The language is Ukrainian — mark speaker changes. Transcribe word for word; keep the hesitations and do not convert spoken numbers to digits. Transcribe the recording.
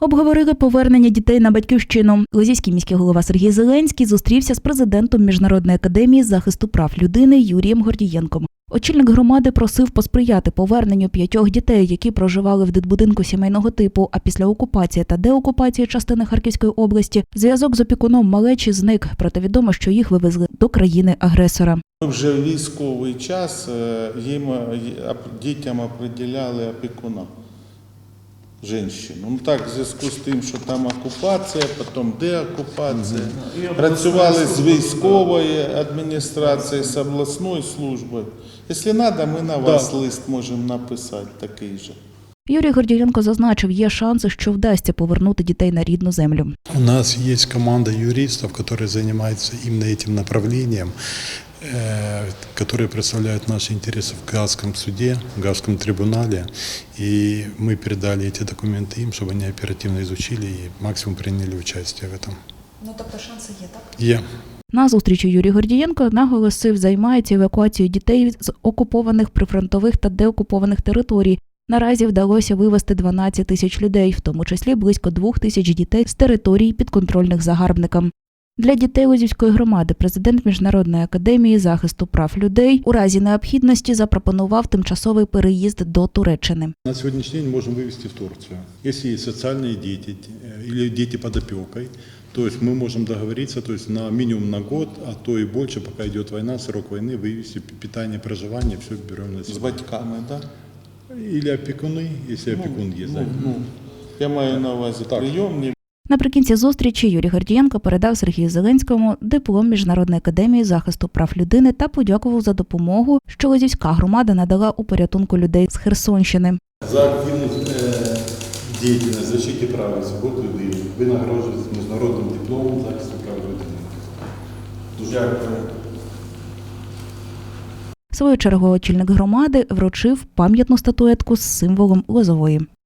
Speaker 1: Обговорили повернення дітей на батьківщину. Лозівський міський голова Сергій Зеленський зустрівся з президентом Міжнародної академії захисту прав людини Юрієм Гордієнком. Очільник громади просив посприяти поверненню п'ятьох дітей, які проживали в дитбудинку сімейного типу, а після окупації та деокупації частини Харківської області зв'язок з опікуном малечі зник, проте відомо, що їх вивезли до країни-агресора.
Speaker 2: Вже в військовий час їм, дітям определяли опікуна, жінку. Ну так, в зв'язку з тим, що там окупація, потім деокупація. Працювали з військової адміністрації, з обласною службою. Якщо треба, ми на вас да. лист можемо написати такий же.
Speaker 1: Юрій Гордієнко зазначив, є шанси, що вдасться повернути дітей на рідну землю.
Speaker 3: У нас є команда юристів, які займаються іменно цим направленням, которые представляют наши интересы в Гаагском суде, в Гаагском трибунале. И мы передали эти документы им, чтобы они оперативно изучили и максимум приняли участие в этом.
Speaker 1: Ну, тобто шанси є, так?
Speaker 3: Є.
Speaker 1: На зустрічі Юрій Гордієнко наголосив, займається евакуацією дітей з окупованих прифронтових та деокупованих територій. Наразі вдалося вивезти дванадцять тисяч людей, в тому числі близько двох тисяч дітей з територій, підконтрольних загарбникам. Для дітей Лозівської громади президент Міжнародної академії захисту прав людей у разі необхідності запропонував тимчасовий переїзд до Туреччини.
Speaker 3: На сьогоднішній день можемо вивезти в Турцію. Якщо є соціальні діти або діти під опікою, то ми можемо договоритися, то есть на мінімум на год, а то і більше, поки йде війна, срок війни, вивезти питання проживання, все беремо на себе.
Speaker 2: З батьками, так?
Speaker 3: Да? Або опікуни, якщо ну, опікун є.
Speaker 2: Ну, ну, я маю на увазі прийомні.
Speaker 1: Наприкінці зустрічі Юрій Гордієнко передав Сергію Зеленському диплом Міжнародної академії захисту прав людини та подякував за допомогу, що Лозівська громада надала у порятунку людей з Херсонщини.
Speaker 3: За активну діяльність в защиті прав і свобод людини ви нагороджуєтесь міжнародним дипломом захисту прав людини. Дуже дякую.
Speaker 1: В свою чергу очільник громади вручив пам'ятну статуетку з символом Лозової.